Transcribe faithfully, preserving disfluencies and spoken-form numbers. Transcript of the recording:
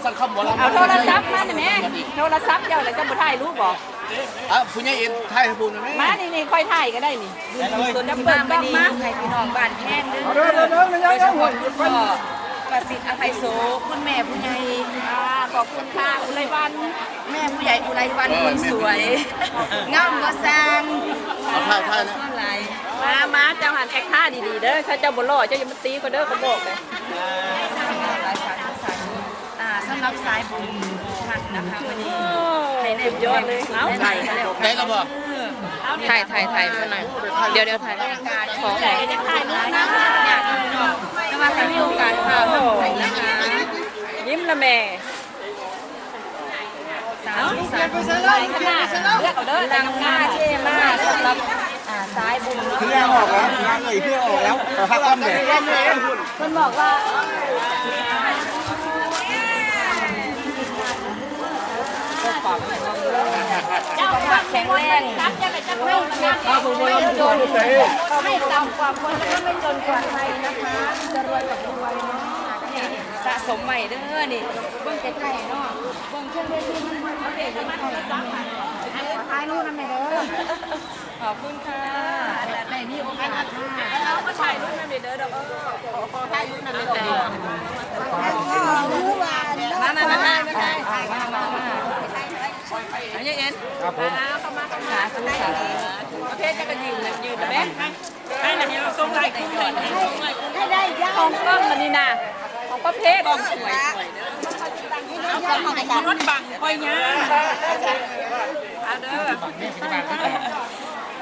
สั่งคำหมอลำเอาโทรศัพท์มาหน่อยแม่โทรศัพท์เจ้าอะไรจะมาถ่ายรูปบอกอ่ะผู้ใหญ่เอ็นไทยพูดไหมมานี่นี่ค่อยถ่ายก็ได้นี่ส่วนจะเปิดกล้องมาให้พี่น้องบ้านแพงเด้อเดินเดินเดินโดยเฉพาะคุณพ่อประสิทธิ์อภัยโสคุณแม่ผู้ใหญ่ขอบคุณค่ะอุไรวันแม่ผู้ใหญ่อุไรวันคนสวยงามบ่สร้างเอาท่าท่านะก็หลายมามาเจ้าหันแอคท่าดีๆเด้อถ้าเจ้าบ่รอเจ้าอย่ามาตีก็เด้อเขาบอกเลยหลายสายสายอ่าสำหรับสายบุญท่านนะคะวันนี้ให้ได้ยอดเลยเอาได้กันแล้วได้แล้วบ่ถ่ายถ่ายถ่ายเพื่อนหน่อยเดี๋ยวเดี๋ยวถ่ายขอใหญ่ก็จะถ่ายรูปนะอยากพี่น้องแต่ว่าถ้ามีโอกาสพาท่านไปนะคะยิ้มละแม่สาวสาวไปข้างหน้าเลือกเอาเด้อลังค่าเท่มากสำหรับอ่าสายบุญเพื่อออกแล้วงานเลยเพื่อออกแล้วขอพักคำเลยคนบอกว่าเจ้าความแข็งแรงครับจะไปจะไม่ไม่จนไม่ต่ำกว่าคนแล้วก็ไม่จนกว่าใครนะคะจะรวยกับรวยเนาะสะสมใหม่เด้อนี่เบิ่งใกล้ๆเนาะเบิ่งเครื่องเวทีมันมันเด็กมันจะซ้ำถ่ายรูปนั่นเด้อขอบคุณค่ะได้มีโอกาสค่ะเราก็ถ่ายรูปนั่นเด้อเด้อขอขอถ่ายรูปนั่นเด้อมามามามามามามาเอาเย็นครับผมเข้ามาเข้ามาสาธุสาธุประเภทจะกระยืนนะยืนนะแม่ให้นะเราส่งไลน์คุ้มเลยให้ได้ยาของกล้องมันนี่นะของประเภทกล้องสวยสวยเด้อเอากล้องของรถบังคอยย่าเอาเด้อ